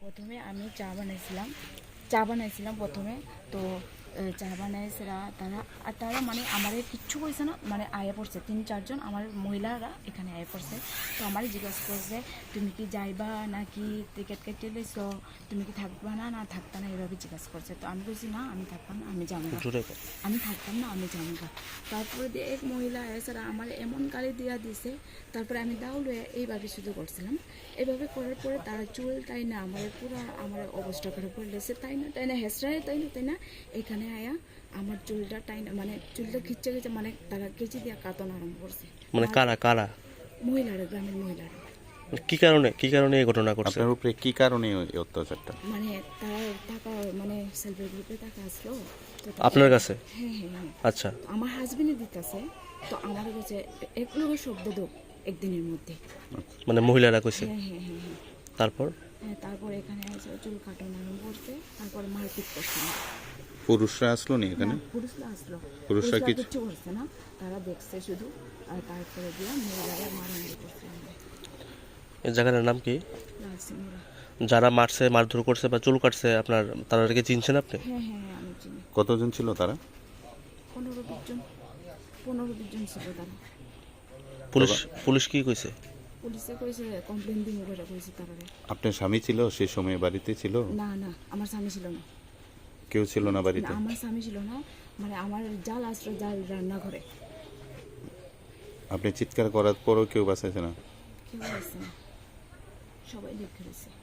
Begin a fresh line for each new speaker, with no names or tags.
প্রথমে আমি চা বানাইছিলাম প্রথমে। তো চা বানাইছিলা তারা মানে আমার কিচ্ছু কইছে না, মানে আয়া পড়ছে 3-4 জন আমার মহিলারা এখানে আয়া পড়ছে। তো আমার জিজ্ঞাসা করছে তুমি কি যাইবা নাকি টিকিট কেটে লইছো, তুমি কি থাকবা না না থাকবা না, এভাবে জিজ্ঞাসা করছে। তো আমি বলছি না আমি থাকতাম না, আমি যাবো, আমি থাকতাম না, আমি যাবো। তারপরে দিয়ে এক মহিলা এছাড়া আমার এমন গালি দিয়া দিছে। তারপরে আমি দাউলে এইভাবে শুধু করছিলাম। এভাবে করার পরে তারা চুল তাই না আমার পুরো আমার অবস্থা করে পড়লেছে, তাই না হেসরায় তাই না এখানে আয়া আমার চুলটা টাইনা মানে চুলটা খিচ্ছে মানে তারা কেচি দিয়া কাটন আরম্ভ করছে।
মানে কারা কারা
মহিলারা, গ্রামের মহিলারা।
কি কারণে এই ঘটনা ঘটছে?
আপনার উপরে কি কারণে এই অত্যাচারটা?
মানে তারা টাকা মানে সেলফি গ্রুপে টাকা আসলো তো
আপনার কাছে?
হ্যাঁ।
আচ্ছা,
আমার হাজবেন্ডে দিতেছে। তো আমার কাছে এক লোক শব্দ দো একদিনের মধ্যে।
মানে মহিলারা কইছে?
হ্যাঁ।
তারপর
তারপর এখানে এসে চুল কাটানো আরম্ভ করছে, তারপর মারপিট করছে।
পুরুষরা আসলো নি এখানে?
পুরুষরা আসলো,
পুরুষরা
কিচ্ছু করছে না, তারা দেখছে শুধু। আর তারপরে দিয়ে মহিলারা মারামারি করছে।
এই জায়গাটার নাম কি?
লালসিংহরা।
যারা মারছে, মারধর করছে বা চুল কাটছে আপনার, তাদেরকে চিনছেন আপনি?
হ্যাঁ আমি চিনি।
কতজন ছিল তারা?
15-20 জন ছিল তারা।
পুলিশ কি কইছে?
পুলিশে কইছে কমপ্লেন দিব করে কইছে তারা।
আপনার স্বামী ছিল সেই সময় বাড়িতে ছিল?
না আমার স্বামী ছিল না।
কেউ ছিল না বাড়িতে?
না, আমার স্বামী ছিল না, মানে আমার জাল আসলো জাল রান্না করে।
আপনি চিৎকার করার পরও কেউ বাঁচাইছে না?
কেউ আসছে না, সবাই দেখে রয়েছে।